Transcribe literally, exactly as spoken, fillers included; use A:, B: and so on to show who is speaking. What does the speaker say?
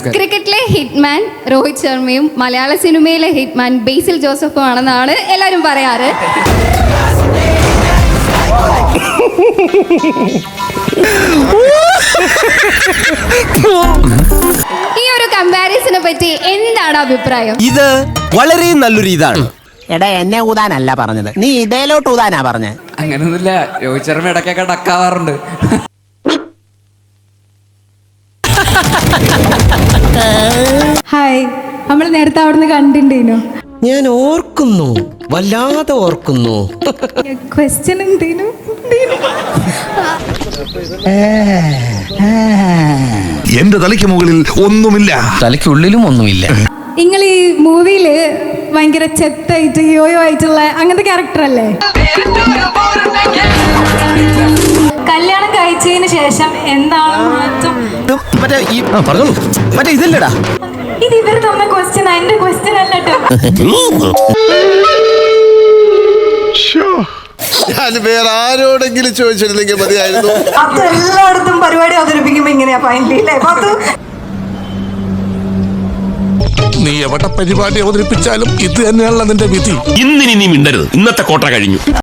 A: ക്രിക്കറ്റിലെ ഹിറ്റ്മാൻ രോഹിത് ശർമ്മയും മലയാള സിനിമയിലെ ഹിറ്റ്മാൻ ബേസിൽ ജോസഫും ആണെന്നാണ് എല്ലാവരും പറയാറ്. ഈ ഒരു കമ്പാരിസനെ പറ്റി എന്താണ് അഭിപ്രായം?
B: ഇത് വളരെ നല്ലൊരു ഇതാണ്.
C: എടാ എന്നെ ഊതാനല്ല പറഞ്ഞത്, നീ ഇതേലോട്ട് ഊതാനാ പറഞ്ഞത്.
D: അങ്ങനൊന്നുമില്ല, രോഹിത് ശർമ്മ ഇടയ്ക്കൊക്കെ ഡക്കാവാറുണ്ട്.
E: ഹായ്, നമ്മൾ നേരത്തെ അവിടുന്ന് കണ്ടിട്ടുണ്ടേനോ?
B: ഞാൻ ഓർക്കുന്നു, വല്ലാതെ ഓർക്കുന്നു.
E: ക്വസ്റ്റ്യൻ എന്തേനു?
F: എന്റെ തലയ്ക്ക് മുകളിൽ ഒന്നുമില്ല,
B: തലയ്ക്കുള്ളിലും ഒന്നുമില്ല.
E: നിങ്ങൾ ഈ മൂവിയില് ഭയങ്കര ചെത്തായിട്ട് യോയോ ആയിട്ടുള്ള അങ്ങനത്തെ ക്യാരക്ടർ അല്ലേ? കല്യാണം കഴിച്ചതിന് ശേഷം എന്താണ് മാറ്റം?
B: മറ്റേ ഈ പറഞ്ഞോളൂ, മറ്റേ ഇതല്ലടാ.
E: ഇത് ഇവർ തന്ന ക്വസ്റ്റ്യൻ, എന്റെ ക്വസ്റ്റ്യൻ അല്ലട്ടോ.
G: ഞാൻ വേറെ ആരോടെങ്കിലും ചോദിച്ചിരുന്നെങ്കിൽ മതിയായിരുന്നു.
H: അത് എല്ലായിടത്തും പരിപാടി അവതരിപ്പിക്കുമ്പോ ഇങ്ങനെയാ ഫൈനലി അല്ലേ?
F: നീ എവിടെ പരിപാടി അവതരിപ്പിച്ചാലും ഇത് തന്നെയാണല്ലോ നിന്റെ വിധി.
I: ഇന്നിനി നീ മിണ്ടരുത്, ഇന്നത്തെ കോട്ട കഴിഞ്ഞു.